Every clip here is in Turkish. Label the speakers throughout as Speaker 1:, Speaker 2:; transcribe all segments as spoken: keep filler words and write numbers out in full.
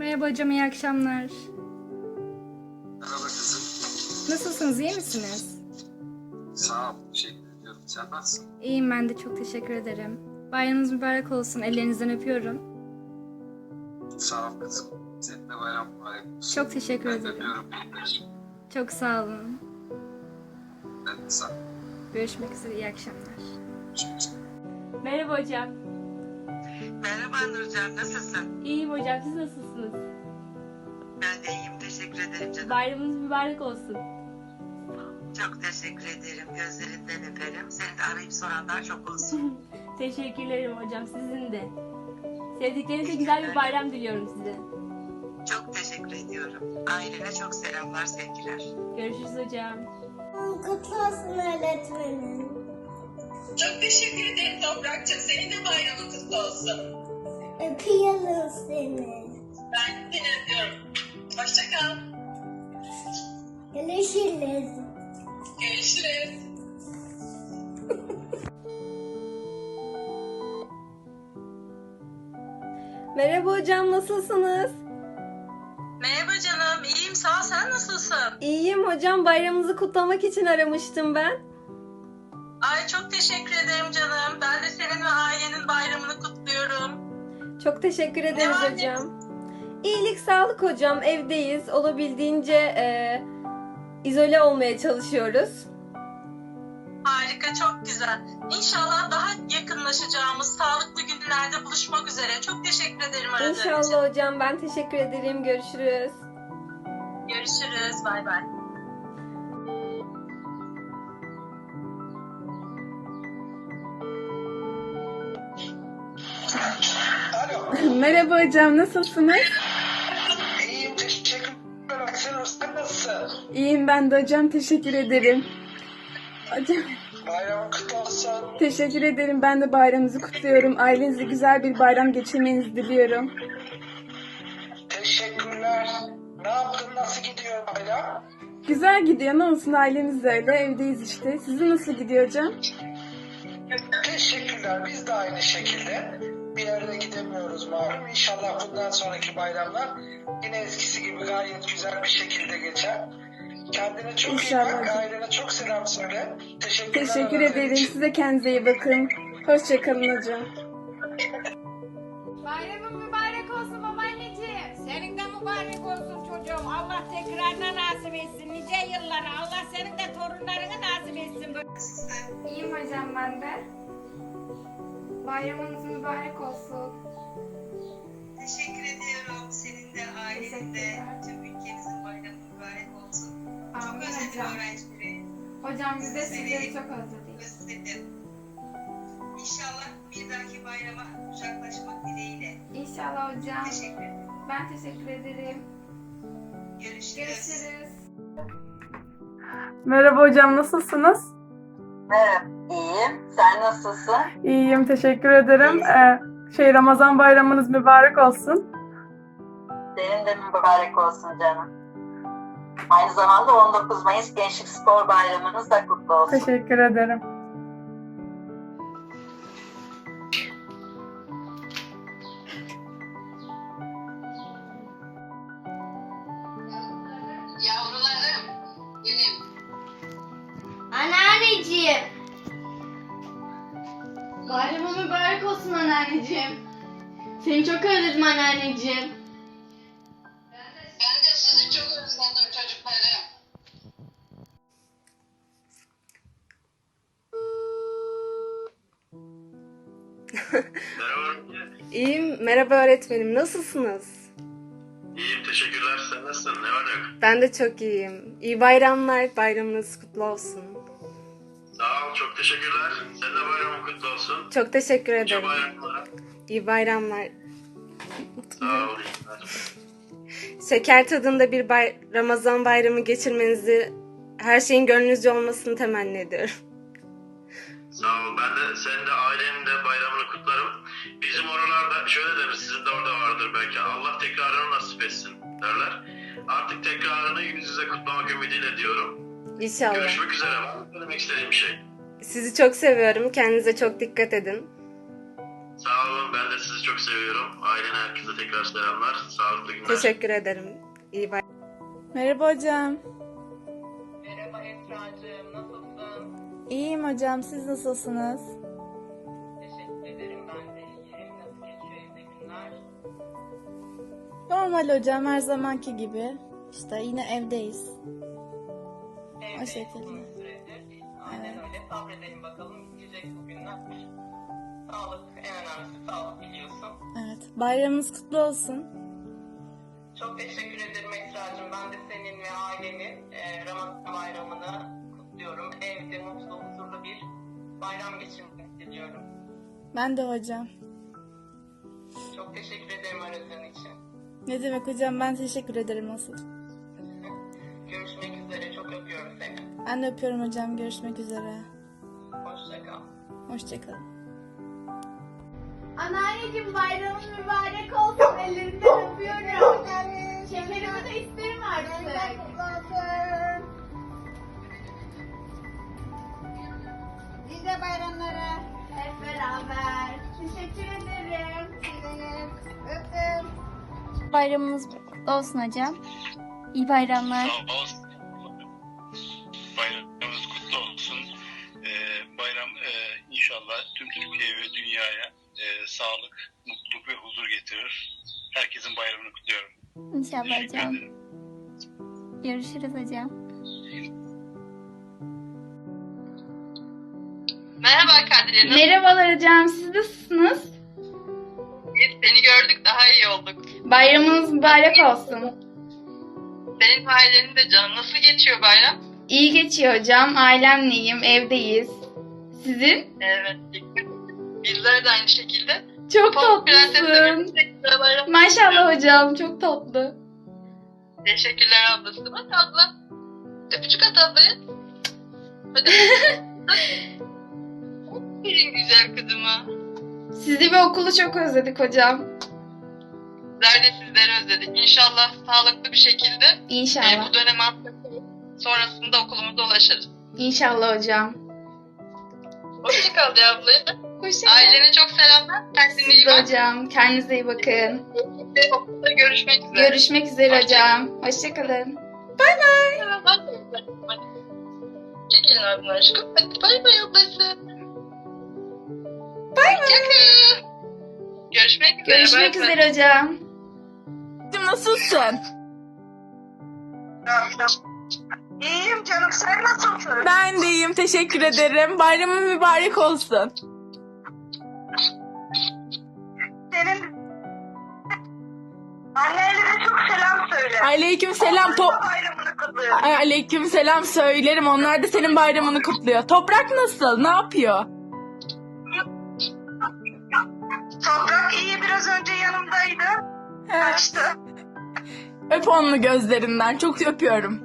Speaker 1: Merhaba hocam, iyi akşamlar.
Speaker 2: Merhaba kızım.
Speaker 1: Nasılsınız, iyi misiniz?
Speaker 2: Sağ ol, teşekkür ediyorum. Sen nasılsın?
Speaker 1: İyiyim ben de, çok teşekkür ederim. Bayramınız mübarek olsun, ellerinizden öpüyorum.
Speaker 2: Sağ ol kızım. Senin de bayram mübarek olsun.
Speaker 1: Çok teşekkür
Speaker 2: Ben de
Speaker 1: ederim.
Speaker 2: öpüyorum büyükleri.
Speaker 1: Çok sağ olun.
Speaker 2: Ben de sağ ol.
Speaker 1: Görüşmek üzere, iyi akşamlar.
Speaker 2: Görüşmek üzere.
Speaker 3: Merhaba hocam.
Speaker 4: Merhaba Nurcan, nasılsın?
Speaker 3: İyiyim hocam, siz nasılsınız?
Speaker 4: Ben de iyiyim, teşekkür ederim canım.
Speaker 3: Bayramınız mübarek olsun.
Speaker 4: Çok teşekkür ederim, gözlerinden öperim. Seni de arayıp soranlar çok olsun.
Speaker 3: Teşekkürlerim hocam, sizin de. Sevdiklerinize güzel bir bayram diliyorum size.
Speaker 4: Çok teşekkür ediyorum. Ailene çok selamlar, sevgiler.
Speaker 3: Görüşürüz hocam.
Speaker 5: Kutlu olsun öğretmenim.
Speaker 6: Çok teşekkür ederim Toprak'cığım. Senin de bayramın kutlu olsun.
Speaker 5: Öpüyorum seni.
Speaker 6: Ben seni öpüyorum. Hoşça kal.
Speaker 5: Görüşürüz.
Speaker 6: Görüşürüz.
Speaker 7: Merhaba hocam, nasılsınız?
Speaker 6: Merhaba canım. İyiyim sağ ol. Sen nasılsın?
Speaker 7: İyiyim hocam, bayramınızı kutlamak için aramıştım ben.
Speaker 6: Ay çok teşekkür ederim canım. Ben de senin ve ailenin bayramını kutluyorum.
Speaker 7: Çok teşekkür ederiz
Speaker 6: var ne-
Speaker 7: hocam. İyilik, sağlık hocam, evdeyiz. Olabildiğince e, izole olmaya çalışıyoruz.
Speaker 6: Harika, çok güzel. İnşallah daha yakınlaşacağımız sağlıklı günlerde buluşmak üzere. Çok teşekkür ederim aradığın için.
Speaker 7: İnşallah hocam, ben teşekkür ederim. Görüşürüz.
Speaker 6: Görüşürüz. Bay bay.
Speaker 8: Alo.
Speaker 1: Merhaba hocam, nasılsınız?
Speaker 8: İyiyim, teşekkür ederim. Sen, sen nasılsın?
Speaker 1: İyiyim ben de hocam, teşekkür ederim. Hocam,
Speaker 8: Bayramın kutlu olsun.
Speaker 1: teşekkür ederim. Ben de bayramınızı kutluyorum. Ailenizle güzel bir bayram geçirmenizi diliyorum.
Speaker 8: Teşekkürler. Ne yaptın, nasıl gidiyor bayram?
Speaker 1: Güzel gidiyor, ne olsun, ailemiz de öyle. Evdeyiz işte. Sizin nasıl gidiyor hocam?
Speaker 8: Teşekkürler, biz de aynı şekilde. Bir yerde gidemiyoruz malum. İnşallah bundan sonraki bayramlar yine eskisi gibi gayet güzel bir şekilde geçer. Kendine çok
Speaker 1: İnşallah
Speaker 8: iyi bak,
Speaker 1: hocam.
Speaker 8: ailene çok selam söyle. Teşekkürler.
Speaker 1: Teşekkür
Speaker 8: aradığın
Speaker 1: ederim.
Speaker 8: için.
Speaker 1: Size kendinize iyi bakın. Hoşça kalın hocam.
Speaker 9: Bayramın mübarek olsun babaanneciğim. Senin de mübarek olsun çocuğum. Allah tekrarına nasip etsin. Nice yıllara. Allah senin de torunlarını nasip etsin.
Speaker 1: İyiyim hocam ben de. Bayramınız mübarek olsun.
Speaker 4: Teşekkür ediyorum. Senin de, ailenin de, tüm ülkemizin bayramı mübarek olsun.
Speaker 1: Amin
Speaker 4: özledim
Speaker 1: hocam.
Speaker 4: öğrencileri.
Speaker 1: Hocam biz de
Speaker 4: Sizleri
Speaker 1: sizleri çok özledik.
Speaker 4: Özledim. İnşallah bir dahaki bayrama kucaklaşmak dileğiyle.
Speaker 1: İnşallah hocam.
Speaker 4: Teşekkür ederim.
Speaker 1: Ben teşekkür ederim.
Speaker 4: Görüşürüz.
Speaker 1: Görüşürüz.
Speaker 10: Merhaba hocam, nasılsınız?
Speaker 4: Merhaba, iyiyim. Sen nasılsın?
Speaker 10: İyiyim, teşekkür ederim. Ee, şey Ramazan bayramınız mübarek olsun.
Speaker 4: Senin de mübarek olsun canım. Aynı zamanda on dokuz Mayıs Gençlik Spor Bayramınız da kutlu olsun.
Speaker 10: Teşekkür ederim.
Speaker 6: Yavrularım benim.
Speaker 5: Anneanneciğim.
Speaker 7: Bayramın mübarek olsun anneanneciğim. Seni çok özledim anneanneciğim.
Speaker 6: Ben de sizi çok özledim çocuklarım.
Speaker 2: Merhaba.
Speaker 7: İyiyim, merhaba öğretmenim. Nasılsınız?
Speaker 2: İyiyim, teşekkürler. Sen nasılsın? Ne var ne yok?
Speaker 7: Ben de çok iyiyim. İyi bayramlar, bayramınız kutlu olsun.
Speaker 2: Sağ ol, çok teşekkürler. Senin de bayramın kutlu olsun.
Speaker 7: Çok teşekkür
Speaker 2: Nice
Speaker 7: ederim.
Speaker 2: bayramlar.
Speaker 7: İyi bayramlar.
Speaker 2: Sağ ol. iyi günler.
Speaker 7: Şeker tadında bir bay- Ramazan bayramı geçirmenizi, her şeyin gönlünüzce olmasını temenni ediyorum.
Speaker 2: Sağ ol. Ben de senin de ailenin de bayramını kutlarım. Bizim oralarda şöyle denir, sizin de orada vardır belki. Allah tekrarını nasip etsin derler. Artık tekrarını yüz yüze kutlamak ümidiyle diyorum.
Speaker 7: İnşallah.
Speaker 2: Görüşmek üzere. Var mı söylemek istediğim bir şey?
Speaker 7: Sizi çok seviyorum. Kendinize çok dikkat edin.
Speaker 2: Sağ olun. Ben de sizi Hepinizi çok seviyorum. Ailene, herkese tekrar selamlar. Sağlıklı günler.
Speaker 7: Teşekkür ederim. İyi bay.
Speaker 1: Merhaba hocam.
Speaker 6: Merhaba Esra'cığım, nasılsın?
Speaker 1: İyiyim hocam. Siz nasılsınız?
Speaker 6: Teşekkür ederim, ben de iyiyim. Nasıl geçiyor evde günler?
Speaker 1: Normal hocam, her zamanki gibi. İşte yine evdeyiz.
Speaker 6: Evde
Speaker 1: şekilde.
Speaker 6: uzun süredir. Aynen öyle. Sabredelim bakalım, bitecek bu günler. Sağlık, en önemlisi sağlık biliyorsun.
Speaker 1: Evet. Bayramınız kutlu olsun.
Speaker 6: Çok teşekkür ederim Esra'cığım. Ben de senin ve ailenin e, Ramazan bayramını kutluyorum. Evde mutlu, huzurlu bir bayram geçirmek diliyorum.
Speaker 1: Ben de hocam.
Speaker 6: Çok teşekkür ederim aradığın için.
Speaker 1: Ne demek hocam, ben teşekkür ederim asıl.
Speaker 6: Görüşmek üzere. Çok öpüyorum seni.
Speaker 1: Ben de öpüyorum hocam. Görüşmek üzere.
Speaker 6: Hoşça kal.
Speaker 1: Hoşçakalın.
Speaker 9: Anneanneciğim bayramın mübarek olsun. Ellerinden öpüyorum. Şekerimi de isterim artık. Nice bayramlara. Hep beraber. Teşekkür ederim. Öptüm.
Speaker 11: Bayramınız kutlu olsun hocam. İyi bayramlar.
Speaker 2: Sağ ol. Bayramımız kutlu olsun. Ee, bayram e, inşallah tüm Türkiye ve dünyaya e, sağlık, mutluluk ve huzur getirir. Herkesin bayramını kutluyorum.
Speaker 11: İnşallah
Speaker 2: Teşekkür
Speaker 11: hocam.
Speaker 2: ederim.
Speaker 11: Görüşürüz hocam.
Speaker 6: Merhaba Kadriye.
Speaker 12: Merhabalar hocam, siz nasılsınız?
Speaker 6: Biz seni gördük, daha iyi olduk.
Speaker 12: Bayramınız mübarek olsun.
Speaker 6: Senin ailenin de canım. Nasıl geçiyor bayram?
Speaker 12: İyi geçiyor hocam, ailemleyim, evdeyiz. Sizin?
Speaker 6: Evet. Bizler de aynı şekilde.
Speaker 12: Çok
Speaker 6: Pamuk Prenses'le
Speaker 12: tatlısın.
Speaker 6: birlikte bayram.
Speaker 12: Maşallah hocam, çok tatlı.
Speaker 6: Teşekkürler ablası. Bak abla. Öpücük at ablaya. Hadi. Benim güzel kızıma.
Speaker 12: Sizi ve okulu çok özledik hocam.
Speaker 6: Bizler de sizleri özledik. İnşallah sağlıklı bir şekilde e,
Speaker 12: İnşallah.
Speaker 6: bu dönemi atlatıp sonrasında okulumuza ulaşırız.
Speaker 12: İnşallah hocam.
Speaker 6: Hoşçakal ya ablaya.
Speaker 12: Hoşçakalın.
Speaker 6: Ailene çok selamlar. Kendine iyi
Speaker 12: Siz de
Speaker 6: bak.
Speaker 12: hocam, kendinize iyi bakın.
Speaker 6: Okulda görüşmek üzere.
Speaker 12: Görüşmek üzere hocam. Hoşçakalın. Bay bay.
Speaker 6: Hadi. Çekilin abim aşkım. Hadi bay bay ablası.
Speaker 12: Bay bay.
Speaker 6: Hoşçakal. Görüşmek üzere.
Speaker 12: Görüşmek
Speaker 6: bay bay.
Speaker 12: üzere hocam.
Speaker 1: Nasılsın?
Speaker 6: İyiyim canım. Sen nasılsın?
Speaker 1: Ben de iyiyim. Teşekkür ederim. Bayramın mübarek olsun.
Speaker 6: Senin annelerine çok selam söyle.
Speaker 1: Aleyküm selam. Top
Speaker 6: Bayramını kutluyorum.
Speaker 1: Aleyküm selam söylerim. Onlar da senin bayramını kutluyor. Toprak nasıl? Ne yapıyor?
Speaker 6: Toprak iyi, biraz önce yanımdaydı. Kaçtı.
Speaker 1: Öp onu gözlerinden. Çok öpüyorum.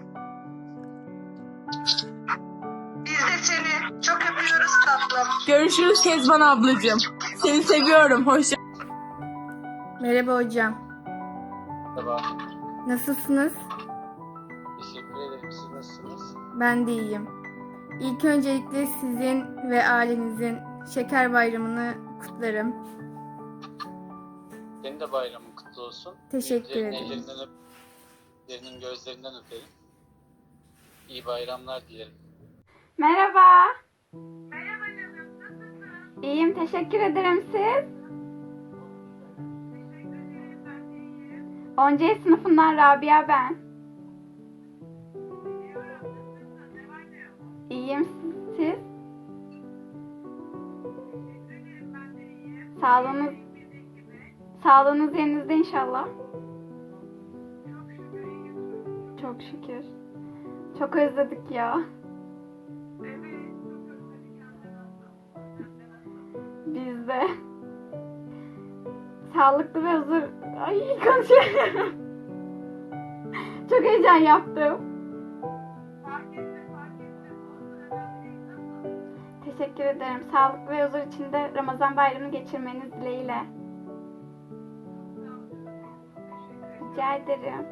Speaker 6: Biz de seni çok öpüyoruz tatlım.
Speaker 1: Görüşürüz Kezban ablacığım. Seni seviyorum. Hoşça.
Speaker 12: Merhaba hocam.
Speaker 13: Merhaba.
Speaker 12: Nasılsınız?
Speaker 13: Teşekkür ederim. Siz nasılsınız?
Speaker 12: Ben de iyiyim. İlk öncelikle sizin ve ailenizin Şeker Bayramı'nı kutlarım.
Speaker 13: Senin de bayramın kutlu olsun.
Speaker 12: Teşekkür
Speaker 13: Büyüklerin
Speaker 12: ederim.
Speaker 13: ellerinden öp, büyüklerinin gözlerinden öperim. İyi bayramlar dilerim.
Speaker 12: Merhaba. Merhaba canım. Nasılsın? İyiyim. Teşekkür ederim. Siz? on C sınıfından Rabia ben. İyiyim. Siz? Sağlığınız Sağlığınız yerinizde inşallah. Çok şükür. Çok özledik ya. Biz de. Sağlıklı ve huzur... Ay konuşamıyorum. Çok heyecan yaptım. Teşekkür ederim. Sağlıklı ve huzur içinde Ramazan bayramını geçirmeniz dileğiyle. Rica ederim.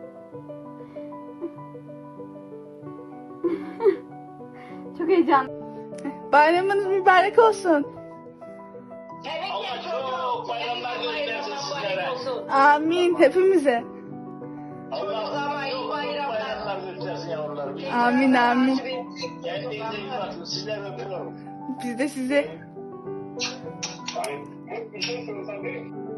Speaker 12: Çok heyecanlı.
Speaker 1: Bayramınız mübarek olsun.
Speaker 9: Senin de
Speaker 2: çok bayramlar göstersin sizlere.
Speaker 10: Amin hepimize.
Speaker 2: Allah çok bayramlar göstersin yavrularım.
Speaker 10: Amin amin.
Speaker 2: Kendinize iyi bakın. Sizleri öpüyorum.
Speaker 10: Biz de size.
Speaker 2: Bir şey söylesem